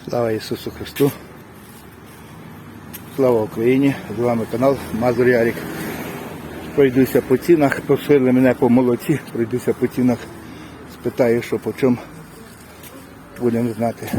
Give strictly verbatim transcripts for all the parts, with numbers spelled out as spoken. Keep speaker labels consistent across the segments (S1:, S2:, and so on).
S1: Слава Ісусу Христу! Слава Україні! З вами канал Мазур Ярик. Пройдуся по цінах, просили мене по молоці, пройдуся по цінах, спитаю, що по чому, будемо знати.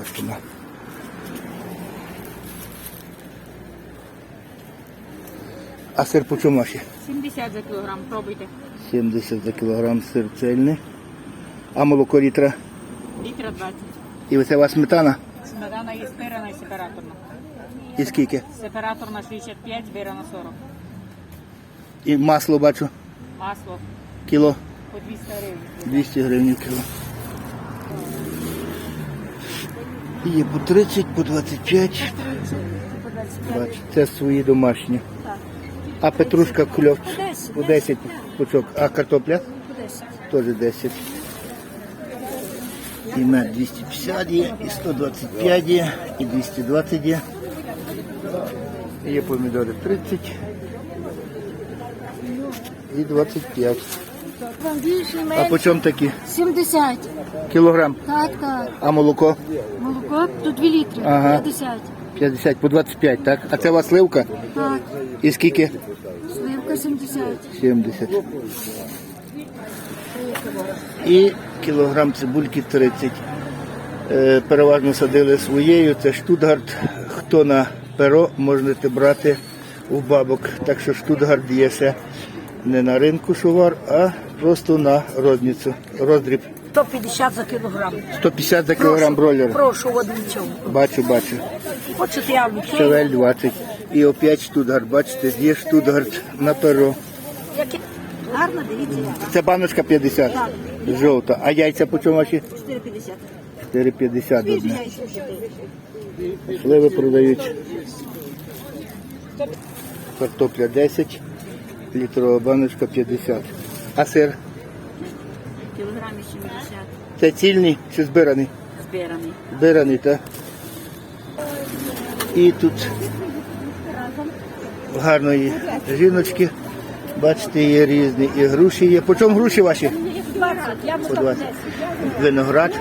S1: А сир по чому ваші?
S2: сімдесят за кілограм, пробуйте.
S1: сімдесят за кілограм сир цельний. А молоко літра?
S2: Літра двадцять.
S1: І оце у вас сметана?
S2: Сметана є збирана і сепараторна.
S1: І скільки?
S2: Сепараторна шістдесят п'ять, збирана сорок.
S1: І масло бачу?
S2: Масло
S1: Кіло?
S2: по двісті гривень.
S1: двісті гривень кіло. Є по тридцять, по двадцять п'ять. Бачу, це свої домашні. А петрушка кульок по десять пучок. А картопля? Теж десять. І мед двісті п'ятдесят є, і сто двадцять п'ять є, і двісті двадцять є. Є помідори тридцять і двадцять п'ять. А по чому такі?
S3: сімдесят.
S1: Кілограм.
S3: Так, так.
S1: А молоко?
S3: Молоко тут дві літри.
S1: Ага.
S3: п'ятдесят.
S1: п'ятдесят по двадцять п'ять, так? А це у вас сливка?
S3: Так.
S1: І скільки?
S3: Сливка сімдесят.
S1: сімдесят. І кілограм цибульки тридцять. Е, переважно садили своєю, це Штутгарт. Хто на перо, можете брати у бабок. Так що Штутгарт є ще не на ринку шувар, а просто на розницю. Роздріб.
S4: сто п'ятдесят за кілограм.
S1: сто п'ятдесят за кілограм бройлера.
S4: Прошу, одвічав.
S1: Бачу, бачу.
S4: Хочете я вам
S1: Шевель двадцять. І опять Штутгарт, бачите, є Штутгарт на перо.
S4: Які? Гарно, дивіться.
S1: Це баночка п'ятдесят. Жовта. А яйця по чому ваші?
S4: чотири п'ятдесят.
S1: чотири п'ятдесят одне. Сливи продають. Картопля десять, літрова баночка п'ятдесят. А сир?
S2: Кілограмі сімдесят.
S1: Це цільний чи збираний?
S2: Збираний.
S1: Збираний, так. І тут гарної жіночки. Бачите, є різні. І груші є. По чому груші ваші? По двадцять. Виноград.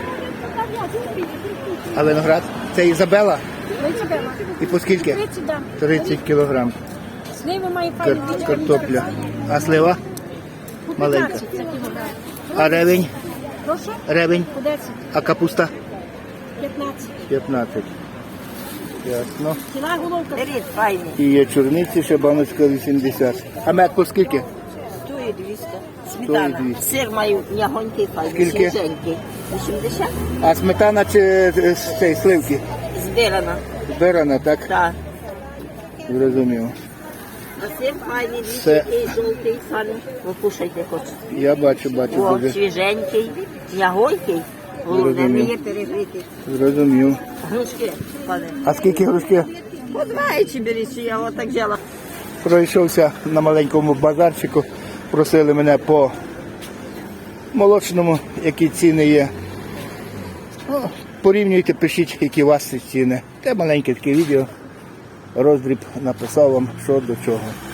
S1: А виноград? Це Ізабела? І по скільки? тридцять кілограм. Кар- картопля. А слива? Маленька. А ревень? Ревень. А капуста? п'ятнадцять. Ясно.
S4: Беріть, файні.
S1: І є чорниці, ще баночка вісімдесят. А мед по скільки?
S4: Стоїть двісті.
S1: Стоїть
S4: Сметана.
S1: двісті.
S4: Сир маю м'ягонький, файний,
S1: Скільки?
S4: свіженький. вісімдесят.
S1: А сметана чи е, з цієї сливки?
S4: Збирана.
S1: Збирана, так?
S4: Так.
S1: Зрозумів.
S4: А сир файний,
S1: Все.
S4: такий жовтий, файний. Ви кушайте хоч.
S1: Я бачу, бачу.
S4: О,
S1: Дуже.
S4: свіженький, м'ягонький. Головне, не
S1: Зрозумів.
S4: є перегріти.
S1: Зрозумів.
S4: Грушки, пане.
S1: А скільки грушки?
S4: По двадцять беріть, я отак взяла.
S1: Пройшовся на маленькому базарчику. Просили мене по молочному, які ціни є. Ну, порівнюйте, пишіть, які у вас ці ціни. Це маленьке таке відео. Роздріб написав вам, що до чого.